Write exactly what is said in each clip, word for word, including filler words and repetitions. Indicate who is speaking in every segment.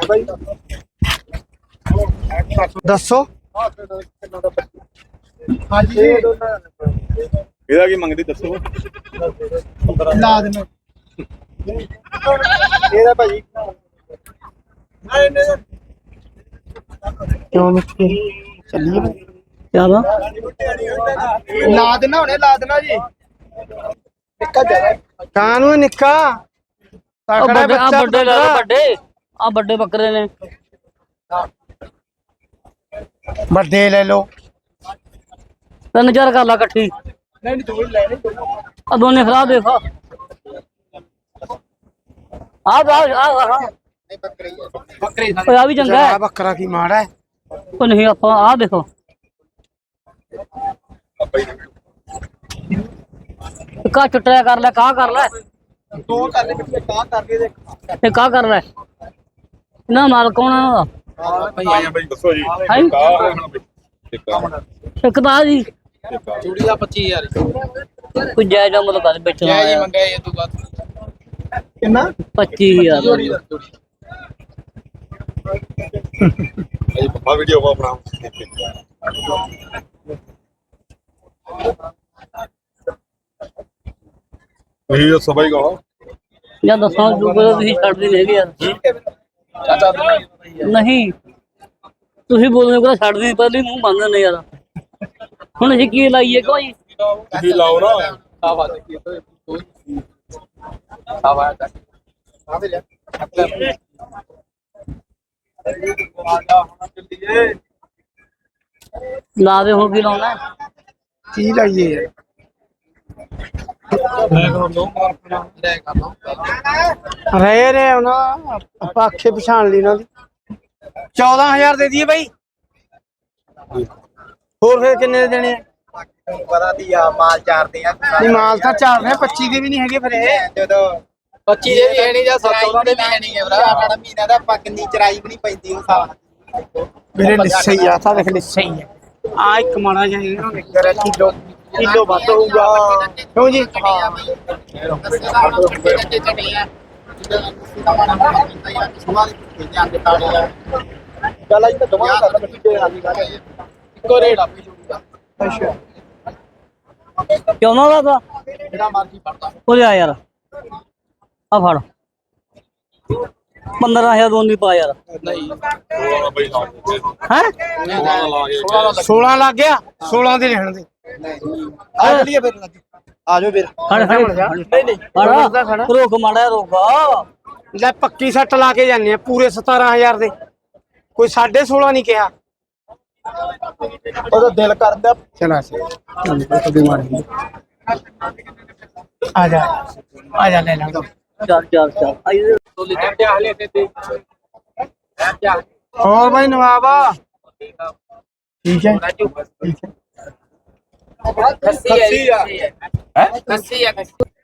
Speaker 1: ਦੱਸੋ
Speaker 2: ਹਾਂਜੀ
Speaker 3: ਇਹਦਾ ਕੀ ਮੰਗਦੀ ਦੱਸੋ।
Speaker 2: ਲਾ ਦੇਣਾ ਇਹਦਾ ਭਾਜੀ
Speaker 1: ਕਿਉਂ ਮਿੱਠੇ ਚੱਲੀਏ
Speaker 4: ਚਲੋ
Speaker 2: ਲਾ ਦੇਣਾ ਹੁਣੇ ਲਾ ਦੇਣਾ ਜੀ ਨਿੱਕਾ ਜਿਆਦਾ
Speaker 1: ਕਾਨੂੰ ਨਿੱਕਾ
Speaker 4: ਆ
Speaker 1: ਤਕੜਾ
Speaker 4: ਵੱਡੇ ਆ
Speaker 1: ਬੱਚਾ
Speaker 4: ਵੱਡੇ ਲੈ ਲਓ ਵੱਡੇ ਆ ਵੱਡੇ ਬੱਕਰੇ ਨੇ
Speaker 1: ਵੱਡੇ ਲੈ ਲਓ।
Speaker 4: ਤਿੰਨ ਚਾਰ ਕਰ ਲਾ ਇਕੱਠੀ
Speaker 2: ਨਹੀਂ ਦੋ ਹੀ ਲੈਣੇ
Speaker 4: ਆ ਦੋਨੇ ਖਰਾ ਦੇਖ ਆ ਆ ਆ
Speaker 2: ਬੱਕਰੇ ਬੱਕਰੇ
Speaker 4: ਓਏ ਆ ਵੀ ਚੰਗਾ
Speaker 1: ਜਰਾ
Speaker 4: ਹੈ
Speaker 1: ਬੱਕਰਾ ਕੀ ਮਾੜਾ ਹੈ।
Speaker 4: ਉਹ ਨਹੀਂ ਆਪਾਂ ਆ ਦੇਖੋ ਕਾ ਚੁੱਟਿਆ ਕਰ ਲੈ ਕਾ ਕਰ ਲੈ
Speaker 2: ਦੋ ਕਰ ਲੈ ਪਿੱਛੇ ਕਾ ਕਰਕੇ ਦੇ
Speaker 4: ਤੇ ਕਾ ਕਰ ਲੈ ਨਾ ਮਾਲ ਕੌਣ ਆ ਉਹਦਾ
Speaker 3: ਆਇਆ ਬਈ ਦੱਸੋ ਜੀ।
Speaker 4: ਹੈਂ?
Speaker 3: ਕਾਹ ਹੁਣ ਬਈ ਟਿੱਕਾ
Speaker 4: ਇੱਕ ਤਾਂ ਆ ਜੀ
Speaker 3: ਟਿੱਕਾ
Speaker 2: ਚੂੜੀ ਦਾ ਪੱਚੀ ਹਜ਼ਾਰ
Speaker 4: ਕੋਈ ਜਾਇਜ਼ ਮੁੱਲ ਕਰ ਵੇਚਣਾ
Speaker 2: ਜੈ ਜੀ
Speaker 4: ਆਇਆ
Speaker 2: ਮੰਗਿਆ ਇਹ ਤੋਂ ਬਾਅਦ ਕਿੰਨਾ
Speaker 4: ਪੱਚੀ ਹਜ਼ਾਰ
Speaker 2: ਚੂੜੀ ਦਾ ਚੂੜੀ
Speaker 3: ਇਹ ਪੱਪਾ ਵੀਡੀਓ ਵਾ ਆਪਣਾ ਇਹ ਜੋ ਸਭਾਈ ਕਹੋ
Speaker 4: ਜਾਂ ਦੱਸਾਂ ਜੋ ਕੋਈ ਤੁਸੀਂ ਛੱਡਦੇ ਨਹੀਂ ਹੈਗੇ ਯਾਰ
Speaker 2: ਚਾਚਾ
Speaker 4: ਨਹੀਂ ਤੁਸੀਂ ਬੋਲਦੇ ਕੋਲ ਛੱਡਦੇ ਨਹੀਂ ਪਹਿਲੇ ਮੂੰਹ ਬੰਦ ਨੇ ਯਾਰ ਹੁਣ ਅਸੀਂ ਕੀ ਲਾਈਏ ਕੋਈ
Speaker 3: ਤੁਸੀਂ ਲਾਓ ਨਾ
Speaker 2: ਆਵਾ ਦੇ ਕੀ ਆਵਾ ਦਾ ਆਵੇ ਲੈ
Speaker 4: ਲਾ ਦੇ ਹੁਣ ਕੀ ਲਾਉਣਾ
Speaker 1: ਕੀ ਲਾਈਏ ਯਾਰ
Speaker 2: ਲੈ ਕਰ ਲਓ
Speaker 1: ਰਹੇ ਨੇ ਉਹਨਾਂ ਆਪਾਂ ਅੱਖੇ ਪਛਾਣ ਲਈ ਉਹਨਾਂ ਦੀ ਚੌਦਾਂ ਹਜ਼ਾਰ ਦੇ ਦਈਏ ਬਾਈ। ਹੋਰ ਫਿਰ ਕਿੰਨੇ ਦੇ ਦੇਣੇ ਆ?
Speaker 2: ਪਤਾ ਦੀ ਆ ਮਾਲ ਚਾਰਦੇ ਆ
Speaker 1: ਨਹੀਂ ਮਾਲ ਤਾਂ ਚਾਰ ਨੇ ਪੱਚੀ ਦੇ ਵੀ ਨਹੀਂ ਹੈਗੇ ਫਿਰ ਇਹ
Speaker 2: ਜਦੋਂ ਪੱਚੀ ਦੇ ਵੀ ਹੈ ਨਹੀਂ ਜਾਂ ਚੌਦਾਂ ਦੇ ਵੀ ਹੈ ਨਹੀਂ ਭਰਾ ਸਾਡਾ ਮਹੀਨਾ ਦਾ ਆਪਾਂ ਕਿੰਨੀ ਚਰਾਈ ਵੀ ਨਹੀਂ ਪੈਂਦੀ ਉਹ ਸਾਲ
Speaker 1: ਮੇਰੇ ਲਿੱਸੇ ਹੀ ਆ ਤਾਂ ਦੇਖ ਲਿੱਸੇ ਹੀ ਆ ਆ ਇੱਕ ਮਾੜਾ ਜਿਹਾ ਇਹਨਾਂ ਨੇ ਕਰਿਆ ਕਿਲੋ ਕਿਲੋ ਵੱਧ ਹੋਊਗਾ ਕਿਉਂ ਜੀ
Speaker 2: ਚੱਲ ਆਈ ਤਾਂ ਦਵਾਂ ਕਰ ਬੱਚੀ ਦੇ ਰਾਜੀ ਕਰ ਇੱਕੋ ਰੇਟ ਆਪੀ ਜੂਗਾ ਅੱਛਾ
Speaker 4: ਕਿਉਂ ਨਾ ਲਾਦਾ
Speaker 2: ਜਿਹੜਾ ਮਰਜ਼ੀ ਫੜਦਾ
Speaker 4: ਉਹ ਆ ਯਾਰ ਆ ਫੜ ਪੰਦਰਾਂ ਹਜ਼ਾਰ ਦੋ ਨਹੀਂ ਪਾ ਯਾਰ
Speaker 2: ਨਹੀਂ
Speaker 3: ਉਹ ਬਈ ਲਾ ਦੇ
Speaker 4: ਹੈ
Speaker 3: ਸੋਲਾਂ ਲਾ ਕੇ
Speaker 1: ਸੋਲਾਂ ਲੱਗ ਗਿਆ ਸੋਲਾਂ ਦੇ ਰਹਿਣ ਦੇ
Speaker 2: ਆ ਚਲੀਏ ਫਿਰ ਲੱਗੇ ਆ ਜਾਓ ਫਿਰ
Speaker 4: ਖੜ ਖੜ
Speaker 2: ਨਹੀਂ ਨਹੀਂ
Speaker 4: ਖੜ ਰੋਕ ਮਾੜਾ ਰੋਕ
Speaker 1: ਲੈ ਪੱਕੀ ਸੱਟ ਲਾ ਕੇ ਜਾਂਦੇ ਆ ਪੂਰੇ ਸਤਾਰਾਂ ਹਜ਼ਾਰ ਦੇ ਕੋਈ ਸਾਢੇ ਸੋਲਾਂ ਨਹੀਂ ਕਿਹਾ
Speaker 2: ਉਹਦਾ ਦਿਲ ਕਰਦਾ
Speaker 1: ਚਲਾ ਸੀ ਆ ਜਾ ਆ ਜਾ ਲੈ ਲਾ
Speaker 4: ਚੱਲ ਚੱਲ ਚੱਲ ਆਈ
Speaker 2: ਤੋਲੀ ਚੱਟਿਆ ਹਲੇ ਤੇ ਤੇ
Speaker 1: ਹੋਰ ਭਾਈ ਨਵਾਬ ਠੀਕ ਹੈ ਠੀਕ ਹੈ
Speaker 2: ਖੱਸੀ ਆ ਹੈ ਖੱਸੀ ਆ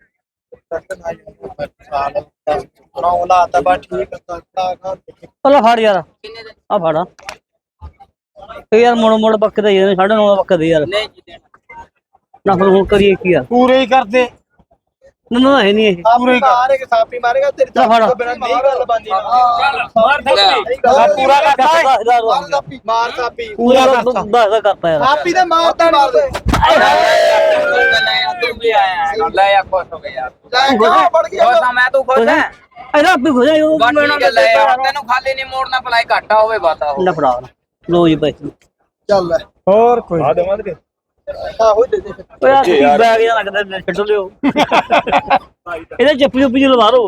Speaker 2: ਸਾਲ ਨੌ ਲਾ ਤਾਂ ਬਾ ਠੀਕ ਕਰਤਾ
Speaker 4: ਪਹਿਲਾਂ ਫੜ ਯਾਰ ਆ ਫੜ ਤੇ ਯਾਰ ਮੋੜ ਮੋੜ ਬੱਕਦੇ ਯਾਰ ਸਾਢੇ ਨੌ ਬੱਕਦੇ ਯਾਰ
Speaker 2: ਨਹੀਂ ਜੀ ਦੇਣਾ
Speaker 4: ਨਾ ਫਿਰ ਹੁਣ ਕਰੀਏ ਕੀ ਯਾਰ
Speaker 1: ਪੂਰੇ ਹੀ ਕਰਦੇ
Speaker 4: ਨਾ ਨਾ ਹੈ ਨਹੀਂ ਇਹ
Speaker 2: ਪੂਰੇ ਮਾਰੇ ਕੇ ਸਾਪੀ ਮਾਰੇਗਾ ਤੇਰੇ
Speaker 4: ਲੈ ਫੜ।
Speaker 2: ਤੋਂ ਬਿਨਾਂ ਨਹੀਂ ਗੱਲ ਬੰਦੀ
Speaker 4: ਮਾਰ
Speaker 1: ਪੂਰਾ ਕਰਤਾ
Speaker 2: ਮਾਰ ਸਾਪੀ
Speaker 4: ਪੂਰਾ ਦਸ ਦਾ ਕਰਤਾ ਯਾਰ
Speaker 2: ਸਾਪੀ ਤੇ ਮਾਰਦਾ ਨਹੀਂ ਤੂੰ ਵੀ ਆਇਆ ਲੈ ਆ ਖੁਸ਼ ਹੋ ਗਿਆ ਯਾਰ ਲੈ ਕਿਉਂ ਪੜ ਗਿਆ
Speaker 5: ਮੈਂ ਤੂੰ ਖੁਸ਼ ਹੈ
Speaker 4: ਇਹਦਾ ਆਪੇ ਹੋ ਜਾਏ ਉਹ
Speaker 5: ਠੀਕ ਹੈ ਲੈ ਆ ਤੈਨੂੰ ਖਾਲੀ ਨਹੀਂ ਮੋੜਨਾ ਭਲਾਈ ਘਾਟਾ ਹੋਵੇ ਬਾਤਾ ਹੋ
Speaker 4: ਨਾ ਫੜਾ ਲੋ ਜੀ ਪੈਸੇ
Speaker 2: ਚੱਲ
Speaker 1: ਹੋਰ ਕੋਈ
Speaker 3: ਆ ਦੇਵਾਂ ਤੇ
Speaker 2: ਆਹੋ ਦੇ ਦੇ
Speaker 4: ਓਏ ਆ ਕੀ ਬੈਗ ਜਿਹਾ ਲੱਗਦਾ ਛੱਡ ਲਿਓ ਇਹਦੇ ਚੱਪੀ ਚੁੱਪੀ ਚ ਲਵਾ ਦੋ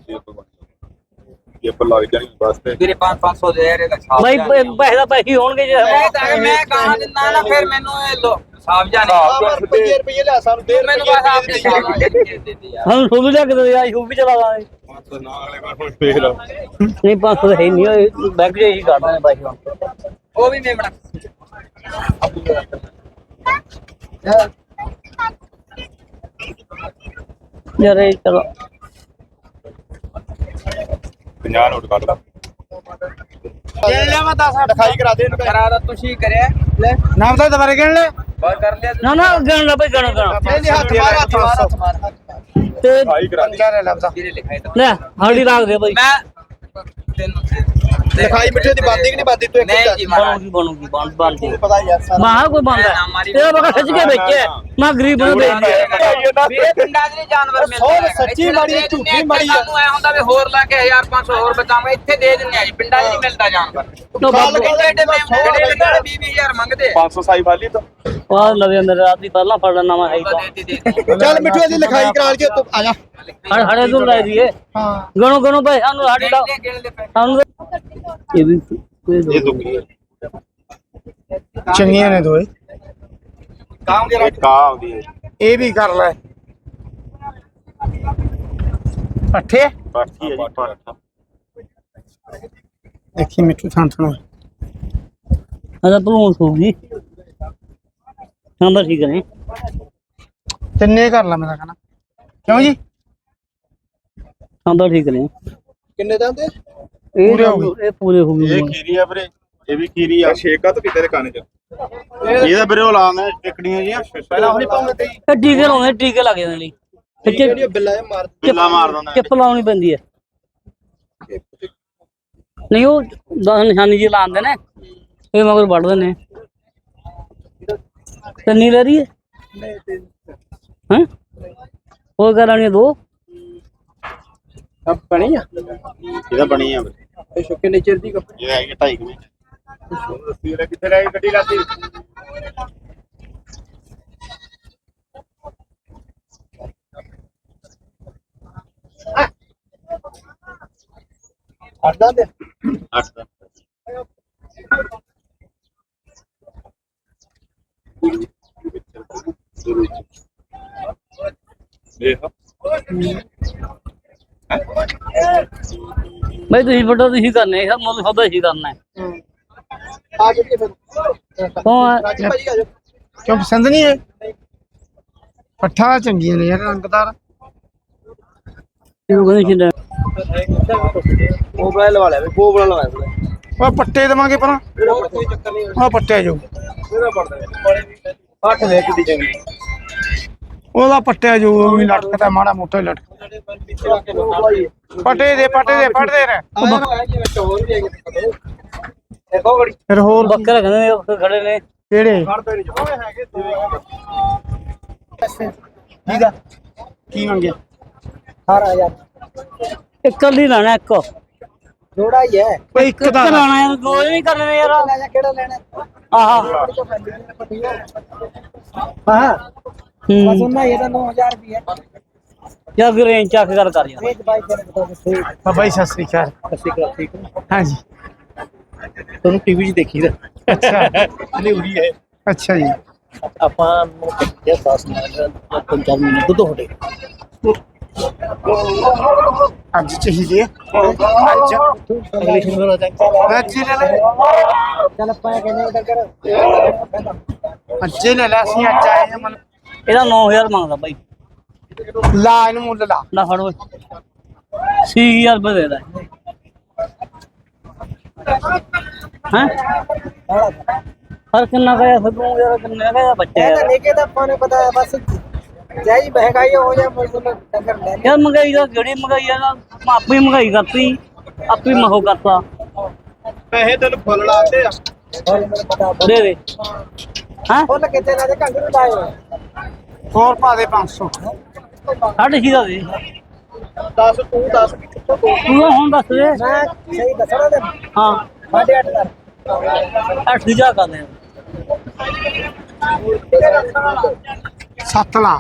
Speaker 3: ਇਹ ਪਰ ਲੱਗ ਜਾਣੀ ਬਸ ਤੇ
Speaker 5: ਵੀਰੇ ਪੰਜ ਪੰਜ ਸੌ ਦੇ ਯਾਰ ਇਹਦਾ ਛਾਪ
Speaker 4: ਬਾਈ ਪੈਸੇ ਦਾ ਪੈਸੇ ਹੋਣਗੇ ਜੇ
Speaker 5: ਮੈਂ ਤਾਂ ਮੈਂ ਕਹਾਂ ਦਿੰਦਾ ਨਾ ਫਿਰ ਮੈਨੂੰ ਇਹ ਲੋ ਸਾਫ ਜਾਣੇ
Speaker 2: ਰੁਪਏ ਰੁਪਏ ਲਿਆ ਸਾਨੂੰ ਦੇ
Speaker 5: ਮੈਨੂੰ ਬਸ ਆਪ ਦੇ ਦੇ ਯਾਰ
Speaker 4: ਹਾਂ ਸੋਨੂੰ ਲਿਆ ਕੇ ਦੇ ਆ ਸ਼ੂ ਵੀ ਚਲਾ ਦਾਂਗੇ
Speaker 3: ਪੰਜ ਸੌ ਨਾ ਵਾਲੇ ਮੈਂ ਹੁਣ ਫੇਰ
Speaker 4: ਨਹੀਂ ਪੰਜ ਸੌ ਹੈ ਨਹੀਂ ਬੈਗ ਜੇ ਹੀ ਕੱਢਦੇ ਨੇ ਪੈਸੇ
Speaker 5: ਉਹ ਵੀ ਮੇਮਣਾ
Speaker 4: ਯਾਰ ਇਹ ਚਲੋ
Speaker 3: ਪੰਜਾਹ ਨੋਟ ਕੱਢ ਲਾ
Speaker 1: ਗਿਣ ਲਿਆ ਮੈਂ ਦਸ
Speaker 2: ਲਿਖਾਈ ਕਰਾ ਦੇ ਇਹਨੂੰ
Speaker 5: ਕਰਾ ਦਾ ਤੁਸੀਂ ਕਰਿਆ ਲੈ
Speaker 1: ਨਾਮ ਤਾਂ ਦੁਬਾਰੇ ਗਿਣ ਲੈ
Speaker 5: ਬਸ ਕਰ ਲਿਆ
Speaker 4: ਨਾ ਨਾ ਗਣ ਲਾ ਬਈ ਗਣ ਗਣ
Speaker 2: ਨਹੀਂ ਨਹੀਂ ਹੱਥ ਮਾਰ ਹੱਥ ਮਾਰ ਹੱਥ ਮਾਰ
Speaker 4: ਤੇ
Speaker 3: ਹਾਈ ਕਰਾ ਦੇ
Speaker 1: ਕਿਆ ਲੈ ਲੱਭਦਾ
Speaker 5: ਵੀਰੇ ਲਿਖਾਈ ਤਾਂ
Speaker 4: ਲੈ ਹਾਲੀ ਰੱਖ ਦੇ ਬਈ
Speaker 5: ਮੈਂ ਤੈਨੂੰ
Speaker 2: ਲਿਖਾਈ ਮਿੱਠੇ ਦੀ ਬਾਦੀ ਕਿ ਨਹੀਂ ਬਾਦੀ ਤੂੰ ਇੱਕ
Speaker 5: ਨਹੀਂ ਜੀ
Speaker 4: ਬਣੂਗੀ ਬਣੂਗੀ ਬਣ ਬਣ ਜੀ
Speaker 2: ਪਤਾ ਯਾਰ ਸਾਰਾ
Speaker 4: ਮਾਹ ਕੋਈ ਬੰਦਾ ਇਹ ਬਗਾ ਖਿੱਚ ਕੇ ਵੇਚਿਆ ਮੈਂ ਗਰੀਬ ਨੂੰ ਵੇਚ ਦਿਆ
Speaker 5: ਵੀ ਇਹ ਪਿੰਡਾਂ 'ਚ ਨਹੀਂ ਜਾਨਵਰ ਮਿਲਦੇ
Speaker 2: ਸੌ ਸੱਚੀ ਮਾੜੀ ਹੈ, ਝੂਠੀ ਮਾੜੀ ਹੈ।
Speaker 5: ਸਾਨੂੰ ਐ ਹੁੰਦਾ ਵੀ ਹੋਰ ਲਾ ਕੇ ਹਜ਼ਾਰ ਪੰਜ ਸੌ ਹੋਰ ਬਚਾਵਾਂ ਇੱਥੇ ਦੇ ਦਿੰਨੇ ਆ ਜੀ ਪਿੰਡਾਂ 'ਚ ਨਹੀਂ ਮਿਲਦਾ ਜਾਨਵਰ
Speaker 4: ਤੋ ਬਾਬੂ
Speaker 5: ਐਡੇ ਐਡੇ ਜਿਹੜੇ ਜਿਹੜੇ ਵੀਹ ਵੀਹ ਹਜ਼ਾਰ ਮੰਗਦੇ
Speaker 3: ਪੰਜ ਸੌ ਸਾਈ ਵਾਲੀ ਤਾਂ
Speaker 4: ਆ ਲਵੇ ਮੇਰੇ ਰਾਤ ਦੀ ਪਹਿਲਾਂ ਫੜਨਾ ਨਵਾਂ ਹੈ ਤਾਂ
Speaker 5: ਦੇ ਦੇ ਦੇ
Speaker 2: ਚੱਲ ਮਿੱਠੂ ਦੀ ਲਿਖਾਈ ਕਰਾ ਕੇ ਤੂੰ ਆ ਜਾ
Speaker 4: ਹੜ ਹੜੇ ਤੋਂ ਲੈ ਦੀਏ
Speaker 2: ਹਾਂ
Speaker 4: ਗਣੋ ਗਣੋ ਭਾਈ ਸਾਨੂੰ ਸਾਡੀ ਦਾ ਸਾਨੂੰ ਇਹ ਵੀ
Speaker 3: ਇਹ ਦੁੱਗੀ
Speaker 1: ਚੰਗੀਆਂ ਨੇ ਦੋਏ
Speaker 3: ਕਾਂ ਦੇ ਕਾਂ ਆਉਂਦੀ ਹੈ
Speaker 1: ਇਹ ਵੀ ਕਰ ਲੈ ਪੱਠੇ
Speaker 3: ਬਾਕੀ ਹੈ ਜੀ ਪਾਠਾ
Speaker 1: ਦੇਖੀ ਮਿੱਠੂ ਥਾਂ ਥਾਂ
Speaker 4: ਆਦਾ ਭਲੂਣ ਹੋਊਗੀ ਹਾਂ ਬਸ ਠੀਕ ਨੇ
Speaker 1: ਤਿੰਨੇ ਕਰ ਲਾ ਮੈਂ ਕਹਿੰਦਾ ਕਿਉਂ ਜੀ
Speaker 4: ਹਾਂ ਬਸ ਠੀਕ ਨੇ
Speaker 2: ਕਿੰਨੇ ਦਾ ਤੇ
Speaker 4: ਇਹ
Speaker 1: ਪੂਰੇ ਹੋ ਗਏ।
Speaker 4: ਇਹ ਪੂਰੇ ਹੋ ਗਏ
Speaker 3: ਇਹ ਖੀਰੀ ਆ ਵੀਰੇ ਇਹ ਵੀ ਖੀਰੀ ਆ ਛੇਕਾ ਤਾਂ ਕਿਤੇ ਦੇ ਕੰਨ ਚ ਇਹਦਾ ਵੀਰੇ ਉਹ ਲਾਉਂਦਾ ਟਿਕੜੀਆਂ ਜੀਆਂ
Speaker 2: ਪਹਿਲਾਂ ਹੋਣੀ ਪਾਉਂਦੇ ਤੇ
Speaker 4: ਇਹ ਟੀਕੇ ਲਾਉਂਦੇ ਟੀਕੇ ਲੱਗ ਜਾਂਦੇ ਨੇ
Speaker 2: ਜਿਹੜੀ ਬਿੱਲਾ ਇਹ ਮਾਰ
Speaker 3: ਬਿੱਲਾ ਮਾਰ ਦਿੰਦਾ
Speaker 4: ਚਿੱਪ ਲਾਉਣੀ ਪੈਂਦੀ ਹੈ ਨਹੀਂ ਉਹ ਦਸ ਨਿਸ਼ਾਨੀ ਜੀ ਲਾਉਂਦੇ ਨੇ ਇਹ ਮਗਰ ਵੱਢਦੇ ਨੇ ਤੰਨੀ ਲੈ ਰਹੀ ਹੈ ਹਾਂ ਹੋਰ ਕਰਾਣੀ ਦੋ
Speaker 2: ਅਬ ਬਣੀ ਆ
Speaker 3: ਇਹਦਾ ਬਣੀ ਆ ਵੀਰੇ
Speaker 2: ਇਹ ਸ਼ੁਕੇ ਨੇਚਰ ਦੀ
Speaker 3: ਇਹ ਹੈਗੀ ਢਾਈ ਕੁ ਮਹੀਨੇ ਵੀਰੇ ਕਿੱਥੇ ਰਹਿ ਗਈ ਗੱਡੀ ਲਾਤੀ
Speaker 2: ਅੱਡਾ ਦੇ
Speaker 3: ਅੱਠ ਦਾ ਦੇਖ
Speaker 4: ਬਈ ਤੁਸੀਂ ਵੱਡਾ ਤੁਸੀਂ ਕਰਨੇ ਸਭ ਮੁੱਲ ਸੌਦਾ ਹੀ ਕਰਨਾ ਹੈ
Speaker 2: ਆ ਜਾਈਏ ਫਿਰ
Speaker 4: ਕੌਣ
Speaker 2: ਰਾਜੀ ਭਾਜੀ ਆ ਜਾਓ
Speaker 1: ਕਿਉਂ ਪਸੰਦ ਨਹੀਂ ਹੈ ਪੱਠਾ ਚੰਗੀਆਂ ਨੇ ਯਾਰ ਰੰਗਦਾਰ
Speaker 4: ਇਹਨੂੰ ਕਹਿੰਦੇ ਛਿੰਦਾ
Speaker 2: ਮੋਬਾਈਲ ਵਾਲਾ ਵੇ ਗੋਬੜਾ ਲਵਾਇਆ
Speaker 1: ਉਹ ਪੱਟੇ ਦੇਵਾਂਗੇ ਪਰਾਂ
Speaker 2: ਕੋਈ ਚੱਕਰ ਨਹੀਂ
Speaker 1: ਉਹ ਪੱਟਿਆ ਜਾਊ
Speaker 2: ਇਹਦਾ ਪੜਦਾ ਅੱਠ ਵੇ ਕਿੱਡੀ ਚੰਗੀ
Speaker 1: ਉਹਦਾ ਪੱਟਿਆ ਜਾਊ ਉਹ ਵੀ ਲਟਕਦਾ ਮਾੜਾ ਮੋਟਾ ਹੀ ਲਟਕ ਪੱਟੇ ਦੇ ਪੱਟੇ ਦੇ ਪੱਟਦੇ ਨੇ
Speaker 2: ਦੇਖੋ ਗੜੀ
Speaker 1: ਫਿਰ ਹੋਰ ਕੀ?
Speaker 4: ਬੱਕਰਾ ਕਹਿੰਦੇ ਨੇ ਉੱਥੇ ਖੜੇ ਨੇ
Speaker 1: ਕਿਹੜੇ
Speaker 2: ਖੜਦੇ ਨਹੀਂ ਜੋ ਹੈਗੇ
Speaker 1: ਠੀਕ ਆ ਕੀ ਮੰਗਿਆ
Speaker 2: ਅਠਾਰਾਂ ਹਜ਼ਾਰ
Speaker 4: ਇੱਕ ਲਈ ਲੈਣਾ ਇੱਕ
Speaker 2: ਥੋੜਾ ਹੀ ਹੈ
Speaker 1: ਓਏ ਇੱਕ
Speaker 4: ਇੱਕ
Speaker 1: ਦਾ
Speaker 4: ਲੈਣਾ ਯਾਰ ਦੋ ਨਹੀਂ ਕਰਨੇ ਨੇ ਯਾਰ
Speaker 2: ਲੈ ਜਾ ਕਿਹੜਾ ਲੈਣਾ
Speaker 4: ਆਹਾ
Speaker 2: ਹਾਂ
Speaker 4: ਹੂੰ
Speaker 2: ਉਹਨਾਂ ਇਹ ਤਾਂ ਨੌ ਹਜ਼ਾਰ ਰੁਪਏ
Speaker 4: ਜਾਂ ਫਿਰ ਰੇਂਜ ਚੱਕ ਕਰ ਕਰ ਯਾਰ
Speaker 2: ਵੇਚ ਬਾਈ ਜਣੇ ਬਤਾ ਦੇ
Speaker 1: ਬਾਬਾ ਜੀ ਸਤਿ ਸ੍ਰੀ ਅਕਾਲ
Speaker 2: ਸਸੀ ਕਾ ਠੀਕ
Speaker 1: ਹਾਂਜੀ
Speaker 2: ਤੁਹਾਨੂੰ ਟੀਵੀ 'ਚ ਦੇਖੀ ਦਾ
Speaker 1: ਅੱਛਾ
Speaker 2: ਅਨੇ ਉਰੀ ਹੈ
Speaker 1: ਅੱਛਾ ਜੀ
Speaker 2: ਆਪਾਂ ਨੂੰ ਕਿਹਾ ਦਸ ਪੰਜ ਚਾਰ ਮਹੀਨੇ ਦੁੱਧ ਹੋੜੇ
Speaker 1: ਅੱਜ ਚਾਹੀਦੀ ਹੈ ਅੱਜ
Speaker 2: ਅਗਲੇ ਸ਼ਨੀਵਾਰ ਆ ਜਾਏਗਾ
Speaker 1: ਅੱਜ ਹੀ ਲੈ ਲੈ
Speaker 2: ਚੱਲ ਆਪਾਂ ਕਹਿੰਦੇ ਉਹਦਾ ਕਰ
Speaker 1: ਅੱਜ ਹੀ ਲੈ ਲੈ ਅਸੀਂ ਅੱਜ ਆਏ ਹਾਂ ਮਨ
Speaker 4: ਇਹਦਾ ਨੌ ਹਜ਼ਾਰ ਮੰਗਦਾ ਬਾਈ
Speaker 1: ਲਾ ਇਹਨੂੰ ਮੁੱਲ ਲਾ
Speaker 4: ਨਾ ਫੜ ਓਏ ਛੇ ਹਜ਼ਾਰ ਰੁਪਏ ਦੇ ਦੇ ਹਾਂ ਹਰ ਕਿੰਨਾ ਕਰਿਆ ਫਿਰ ਤੂੰ ਯਾਰ ਕਿੰਨੇ ਦਾ ਬੱਚਾ
Speaker 2: ਇਹ ਤਾਂ
Speaker 4: ਯਾਰ
Speaker 2: ਨਿੱਕੇ ਦਾ ਆਪਾਂ ਨੂੰ ਪਤਾ ਹੈ ਬਸ ਜਾਈ ਮਹਿੰਗਾਈ ਹੋ ਜਾ ਮਜ਼ਦੂਰ ਟੱਕਰ ਲੈ
Speaker 4: ਯਾਰ ਮਹਿੰਗਾਈ ਦਾ ਜਿਹੜੀ ਮਹਿੰਗਾਈ ਆ ਨਾ ਆਪੇ ਮਹਿੰਗਾਈ ਕਰਤੀ ਆਪੇ ਮਹੋ ਕਰਤਾ
Speaker 2: ਪੈਸੇ ਤੈਨੂੰ ਫੁੱਲ ਲਾਤੇ ਆ ਹੋਰ ਮੈਨੂੰ ਪਤਾ
Speaker 4: ਦੇ ਦੇ ਹਾਂ
Speaker 2: ਫੁੱਲ ਕਿੱਥੇ ਲਾਦੇ ਘੰਗਰੂ ਲਾਏ ਹੋਏ
Speaker 1: ਹੋਰ ਪਾ ਦੇ ਪੰਜ ਸੌ
Speaker 4: ਸਾਢੇ ਛੇ ਦਾ ਦੇ
Speaker 2: ਦਸ ਤੂੰ ਦਸ ਕਿੱਥੋਂ ਤੂੰ
Speaker 4: ਤੂੰ ਹੁਣ ਦੱਸ ਦੇ
Speaker 2: ਮੈਂ ਸਹੀ ਦੱਸਣਾ ਤੇ
Speaker 4: ਹਾਂ
Speaker 2: ਸਾਢੇ ਅੱਠ ਦਾ
Speaker 4: ਅੱਠ ਦੀ ਜਾ ਕਰਦੇ ਆ
Speaker 1: ਸੱਤ ਲਾ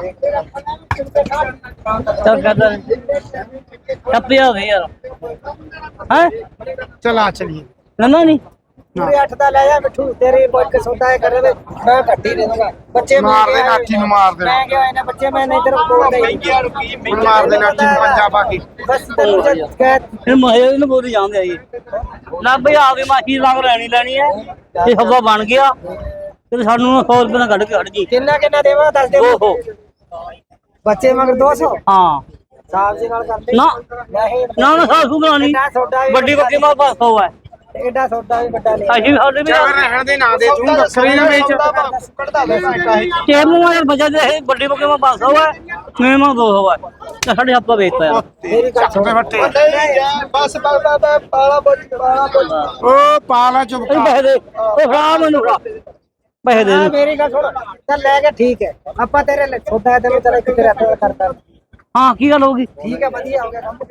Speaker 4: ਚੱਲ ਕਰਦਾ ਟੱਪਿਆ ਦੇ ਯਾਰ ਹੈ
Speaker 1: ਚਲਾ ਚਲੀਏ
Speaker 4: ਨੰਨਾ ਨਹੀਂ
Speaker 2: ਪੂਰੇ ਅੱਠ ਦਾ ਲੈ ਜਾ ਮਿੱਠੂ ਤੇਰੀ ਕੋਈ ਇੱਕ ਸੌਦਾ ਹੈ ਕਰੇ ਵੇ ਮੈਂ ਘੱਟੀ ਦੇ ਦੂੰਗਾ ਬੱਚੇ
Speaker 1: ਮਾਰ ਦੇ ਨਾਠੀ ਨੂੰ ਮਾਰ ਦੇ
Speaker 2: ਮੈਂ ਕਿਹਾ ਇਹਨੇ ਬੱਚੇ ਮੈਂ ਨਹੀਂ ਤੇਰੇ ਕੋਲ ਨਹੀਂ
Speaker 1: ਹੁਣ ਮਾਰ ਦੇ ਨਾਠੀ ਨੂੰ ਪੰਜਾ ਪਾ ਕੇ
Speaker 2: ਬਸ ਤੈਨੂੰ ਜਦ ਕਹਿ
Speaker 4: ਇਹ ਮਹੇ ਨੂੰ ਬੋਲੀ ਜਾਂਦੇ ਆ ਜੀ ਨਾ ਭਈ ਆਪਦੀ ਮਾਛੀ ਰੰਗ ਲੈਣੀ ਲੈਣੀ ਹੈ ਇਹ ਹਵਾ ਬਣ ਗਿਆ ਤੇ ਸਾਨੂੰ ਸੌ ਰੁਪਏ ਨਾਲ ਕੱਢ ਕੇ ਹਟ ਜੀ
Speaker 2: ਕਿੰਨਾ ਕਿੰਨਾ ਦੇਵਾਂ ਦੱਸ ਦੇ
Speaker 4: ਓਹੋ
Speaker 2: ਬੱਚੇ ਮਗਰ ਦੋ ਸੌ
Speaker 4: ਹਾਂ
Speaker 2: ਸਾਹਿਬ ਜੀ ਨਾਲ ਕਰਦੇ
Speaker 4: ਨਾ
Speaker 2: ਨਹੀਂ
Speaker 4: ਨਾ ਨਾ ਸਾਸੂ ਬਣਾਣੀ
Speaker 2: ਨਾ ਤੁਹਾਡਾ ਵੀ
Speaker 4: ਵੱਡੀ ਬੱਕੀ ਮਾਂ ਪੰਜ ਸੌ ਹੈ
Speaker 2: ਐਡਾ ਸੌਦਾ ਵੀ ਵੱਡਾ ਨਹੀਂ
Speaker 4: ਅਸੀਂ ਵੀ ਸਾਡੇ ਵੀ
Speaker 1: ਚੱਲ ਰਹਿਣ ਦੇ ਨਾ ਦੇ ਤੂੰ ਬੱਕਰੀ ਨਾ ਵੇਚ
Speaker 2: ਕੱਢਦਾ ਦੇ ਕਾਹੀ
Speaker 4: ਟੇਮ ਨੂੰ ਯਾਰ ਬਜਾ ਦੇ ਵੱਡੀ ਬੱਕਰੀ ਮੈਂ ਪੰਜ ਸੌ ਹੈ ਮੇਰੇ ਮੈਂ ਦੋ ਸੌ ਹੈ ਤੇ ਸਾਡੇ ਹੱਥੋਂ ਵੇਚਤਾ ਯਾਰ
Speaker 2: ਮੇਰੀ ਗੱਲ ਸੁਣ
Speaker 1: ਚੱਕ ਵੱਟੇ
Speaker 2: ਨਹੀਂ ਯਾਰ ਬਸ ਬਗਦਾ ਤਾਂ ਪਾਲਾ ਬੋਝ ਪਾਲਾ ਬੋਝ
Speaker 1: ਓ ਪਾਲਾ ਚੁੱਪ
Speaker 4: ਇਹ ਪੈਸੇ ਦੇ ਉਹ ਫੜਾ ਮੈਨੂੰ ਫੜਾ ਪੈਸੇ ਦੇ
Speaker 2: ਹਾਂ
Speaker 4: ਦੇ।
Speaker 2: ਮੇਰੀ ਗੱਲ ਸੁਣ ਚੱਲ ਲੈ ਕੇ ਠੀਕ ਹੈ ਆਪਾਂ ਤੇਰੇ ਲਈ ਛੋਟਾ ਤੈਨੂੰ ਤੇਰਾ ਕਿਤੇ ਰਹਿ ਕਰਦਾ
Speaker 4: ਹਾਂ ਕੀ ਗੱਲ ਹੋ ਗਈ
Speaker 2: ਠੀਕ ਹੈ ਵਧੀਆ ਹੋ ਗਿਆ ਕੰਮ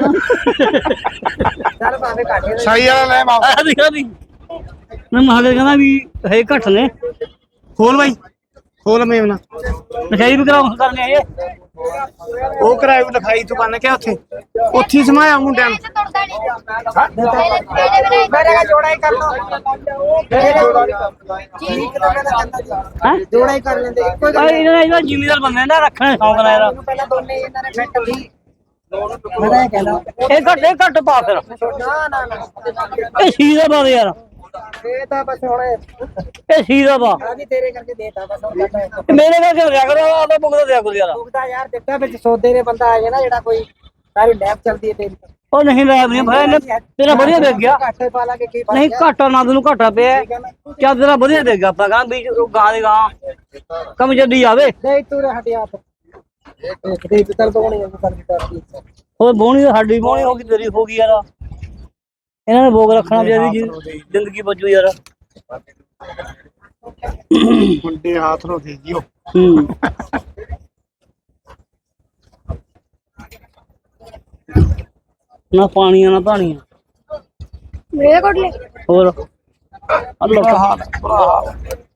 Speaker 2: ਚੱਲ ਭਾਵੇਂ ਘਾਟੇ ਦੇ
Speaker 1: ਸਹੀ ਵਾਲਾ ਲੈ ਵਾਪਸ
Speaker 4: ਆ ਦਿਖਾ ਦੀ ਮੈਂ ਮਹਾਦੇ ਕਹਿੰਦਾ ਵੀ ਹੈ ਘੱਟ ਨੇ
Speaker 1: ਖੋਲ ਬਾਈ ਖੋਲ ਮੇਵਨਾ
Speaker 4: ਲਿਖਾਈ ਵੀ ਕਰਾਉ ਕਰਨੇ ਆ ਇਹ
Speaker 1: ਉਹ ਕਰਾਈ ਲਿਖਾਈ ਤੂੰ ਬੰਨ ਕੇ ਉੱਥੇ ਉੱਥੇ ਹੀ ਸਮਾਇਆ ਮੁੰਡਿਆਂ ਨੂੰ
Speaker 2: ਮੇਰੇ ਨਾਲ ਜੋੜਾ ਹੀ ਕਰ ਲੋ ਠੀਕ ਤਾਂ ਮੈਂ ਕਹਿੰਦਾ
Speaker 4: ਹੈ
Speaker 2: ਜੋੜਾ ਹੀ ਕਰ ਲੈਂਦੇ ਇੱਕੋ
Speaker 4: ਆ ਇਹਨਾਂ ਇਹਨਾਂ ਜ਼ਿਮੀਦਾਰ ਬੰਦੇ ਨੇ ਰੱਖਣੇ ਸ਼ੌਂਕ ਨਾਲ ਯਾਰ
Speaker 2: ਪਹਿਲਾਂ ਦੋਨੇ ਇਹਨਾਂ ਨੇ ਫਿੱਟ ਵੀ ਮੈਂ ਤਾਂ ਇਹ ਕਹਿੰਦਾ
Speaker 4: ਇਹ ਘੱਟ ਇਹ ਘੱਟ ਪਾ ਫਿਰ
Speaker 2: ਨਾ ਨਾ ਨਾ
Speaker 4: ਇਹ ਸੀਦਾ ਪਾ ਦੇ ਯਾਰ
Speaker 2: ਇਹ ਤਾਂ ਬਸ ਹੁਣ
Speaker 4: ਇਹ ਸੀਦਾ ਪਾ
Speaker 2: ਆ ਵੀ ਤੇਰੇ ਕਰਕੇ ਦੇਤਾ ਬਸ ਹੁਣ ਕਰਦਾ ਹੈ।
Speaker 4: ਇਹ ਮੇਰੇ ਨਾਲ ਕਿਉਂ ਰਿਆ ਕਰੋ ਆਪੇ ਬੁਗਦਾ ਦਿਆ ਕਰੋ ਯਾਰ
Speaker 2: ਭੁਗਤਾ ਯਾਰ ਦਿੱਤਾ ਵਿੱਚ ਸੌਦੇ ਦੇ ਬੰਦਾ ਆ ਗਿਆ ਨਾ ਜਿਹੜਾ ਕੋਈ ਸਾਰੀ ਲੈਬ ਚੱਲਦੀ ਹੈ ਤੇਰੀ
Speaker 4: ਉਹ ਨਹੀਂ ਲੈ ਨਹੀਂ ਭਾਈ ਇਹਨੇ ਤੇਰਾ ਵਧੀਆ ਦੇਖ ਗਿਆ
Speaker 2: ਘਾਟੇ ਪਾ ਲਾ ਕੇ ਕੀ
Speaker 4: ਨਹੀਂ ਘਾਟਾ ਨਾ ਤੈਨੂੰ ਘਾਟਾ ਪਿਆ ਚੱਲ ਤੇਰਾ ਵਧੀਆ ਦੇਖ ਗਿਆ ਆਪਾਂ ਕਹਾਂ ਵੀ ਉਹ ਗਾਂ ਦੇ ਗਾਂ ਕੰਮ ਜੱਦੀ ਆਵੇ
Speaker 2: ਨਹੀਂ ਤੂੰ ਰਹਿ ਹਟਿਆ ਆਪ ਦੇਖ ਤੇ ਤਰ ਤੋਂ ਨਹੀਂ ਕਰ ਦਿੱਤੀ
Speaker 4: ਉਹ ਬੋਣੀ ਸਾਡੀ ਬੋਣੀ ਹੋ ਗਈ ਤੇਰੀ ਹੋ ਗਈ ਯਾਰ ਇਹਨਾਂ ਨੇ ਭੋਗ ਰੱਖਣਾ ਚਾਹੀਦੀ ਜੀ ਜ਼ਿੰਦਗੀ ਬਚੂ ਯਾਰ
Speaker 1: ਮੁੰਡੇ ਹੱਥ ਨੂੰ ਦੇ ਦਿਓ
Speaker 4: ਹੂੰ ਨਾ ਪਾਣੀਆਂ ਨਾ ਪਾਣੀਆਂ
Speaker 6: ਮੇਰੇ ਕੋਲ ਲੈ
Speaker 4: ਹੋਰ ਅੱਲਾ
Speaker 1: ਹਾਲ ਬੁਰਾ ਹਾਲ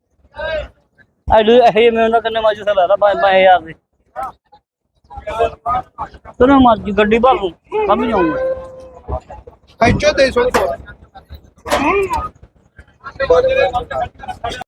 Speaker 4: ਆਈ ਇਹ ਮੈਂ ਉਹਨਾਂ ਕੰਨੇ ਮਾਜੂ ਸਾ ਲਾਦਾ ਪੰਜ ਪੰਜ ਹਜ਼ਾਰ ਦੇ ਤੂੰ ਮਰਜੀ ਗੱਡੀ ਭਾਲੂ ਕੰਮ ਜਾਊਂਗਾ
Speaker 2: ਖੈਚੋ ਦੇ ਸੋ